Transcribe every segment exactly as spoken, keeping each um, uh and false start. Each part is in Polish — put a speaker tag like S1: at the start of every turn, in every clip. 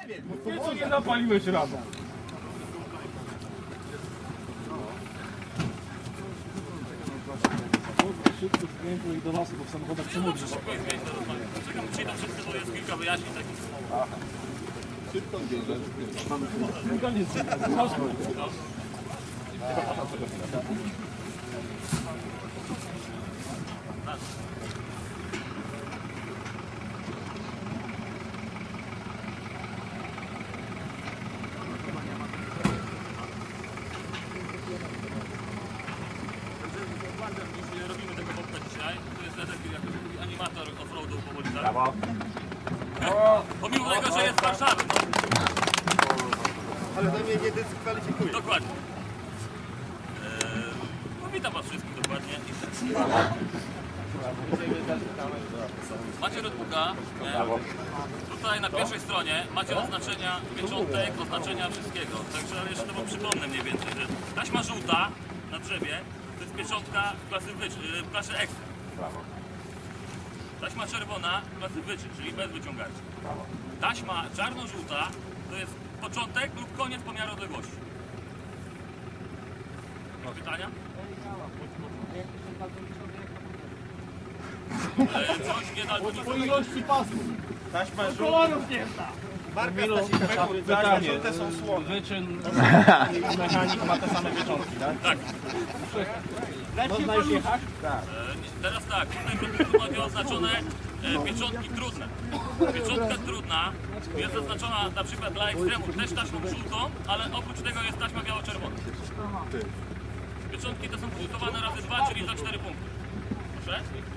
S1: Nieco nie napaliłeś razem. Szybko z klientów i do was, bo w samochodach przemówisz.
S2: Czekam, przyjdą wszyscy, bo jest kilka wyjaśnień takich.
S3: Szybko bierze.
S1: Koniec.
S2: Nie robimy tego bobka dzisiaj. To jest taki jakiś animator off-roadu powoli, tak?
S3: Brawo.
S2: Pomimo tego, że jest z Warszawy. No.
S3: Ale to mnie nie dyskwalifikuje.
S2: Dokładnie. Eee, no, witam was wszystkich dokładnie. Macie notebooka. Tutaj na pierwszej stronie macie oznaczenia pieczątek, oznaczenia wszystkiego. Także ale jeszcze to wam przypomnę mniej więcej, że taśma żółta na drzewie to jest pieczątka klasy wycz, klasy ekstra. Taśma czerwona klasy wyczyn, czyli bez wyciągaczy. Taśma czarno-żółta to jest początek lub koniec pomiaru odległości. Mam pytania? E, coś nie daltonicznego.
S1: Po ilości pasów.
S3: Taśma żółta.
S1: Kolorów nie zna.
S3: Marka Pytanie. Żółte są słone.
S1: Wyczyn i mechanik ma te same pieczątki, tak?
S2: Tak.
S1: Można już jechać?
S2: E, nie, teraz tak, tutaj w notebooku macie oznaczone e, pieczątki trudne. Pieczątka trudna jest zaznaczona na przykład dla ekstremów też taśmą żółtą, ale oprócz tego jest taśma biało-czerwona. Pieczątki te są punktowane razy dwa, czyli za cztery punkty. Proszę?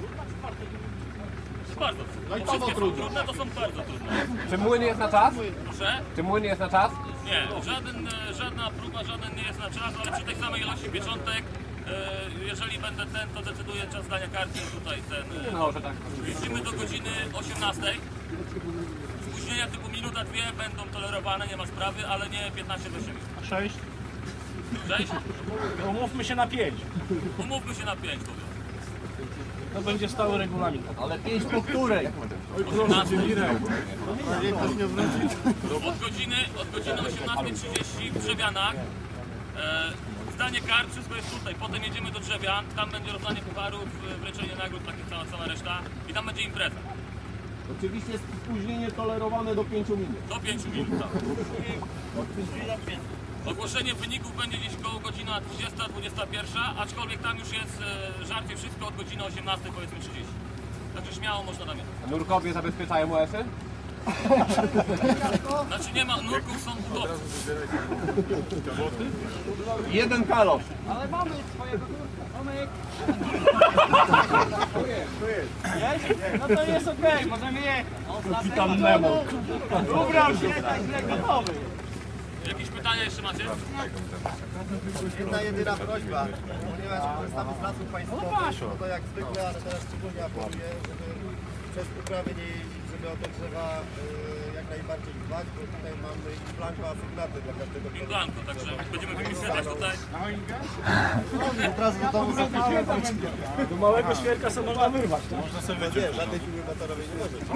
S2: Bardzo.
S3: No i
S2: Bo
S3: to
S2: wszystkie są
S3: trudne.
S2: trudne, to są bardzo trudne.
S4: Czy młyn jest na czas?
S2: Proszę?
S4: Czy młyn jest na czas?
S2: Nie, żaden, e, żadna próba, żaden nie jest na czas, ale przy tej samej ilości pieczątek, e, jeżeli będę ten, to decyduje czas dania karty tutaj ten. E,
S4: No, że tak.
S2: Jeździmy do godziny osiemnastej. Spóźnienia typu minuta, dwie będą tolerowane, nie ma sprawy, ale nie piętnaście do siedmiu.
S1: Sześć.
S2: Sześć?
S1: Umówmy się na pięć.
S2: Umówmy się na pięć, powiem.
S1: To będzie stały regulamin.
S4: Ale pięć po której?
S2: osiemnastej.
S3: Niech ktoś nie wróci.
S2: Od godziny, od godziny osiemnastej trzydzieści w Drzewianach. E, zdanie kart, wszystko jest tutaj. Potem jedziemy do Drzewian, tam będzie rozdanie pucharów, e, wręczenie nagród, takie cała, cała reszta. I tam będzie impreza.
S3: Oczywiście jest spóźnienie tolerowane do pięciu minut.
S2: Do pięciu minut. Tak. Ogłoszenie wyników będzie gdzieś koło godzina dwudziesta, dwudziesta pierwsza, aczkolwiek tam już jest e, żarcie wszystko od godziny osiemnastej, powiedzmy trzydzieści. Także śmiało można tam jechać.
S4: Nurkowie zabezpieczają O S-y?
S2: Znaczy nie ma, nurków są budowcy.
S4: Jeden kalosz.
S1: Ale mamy swojego nurka. Tomek. Jest? No to jest okej, możemy jechać. Kapitan Nemo. Ubrał się, tak źle gotowy.
S2: Jakieś pytania jeszcze macie?
S3: Jedna jedyna prośba, ponieważ korzystamy z lasów państwowych, no to jak zwykle, ale teraz szczególnie apeluję, żeby przez uprawę nie jeździć, żeby o te drzewa y, jak najbardziej dbać, bo tutaj mamy blanko asygnaty dla każdego
S2: In blanco, także będziemy wypisywać tutaj.
S3: Od razu do domu zapisałem.
S1: Do małego świerka sobie można wyrwać, tak?
S3: Można sobie nie, żadnej piły motorowej nie może.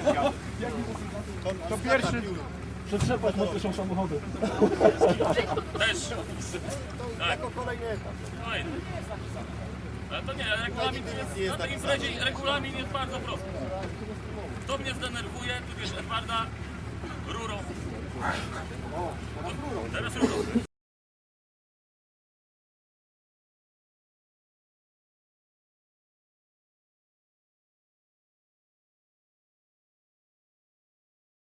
S3: To pierwszy.
S1: Przetrzepać na pierwszą samochody.
S2: Też. Tak.
S3: Jako kolejny etap.
S2: Fajnie. Ale to nie, regulamin jest, na tej imprezie regulamin jest bardzo prosty. Kto mnie zdenerwuje, tu wiesz, Edwarda rurą. Teraz rurą.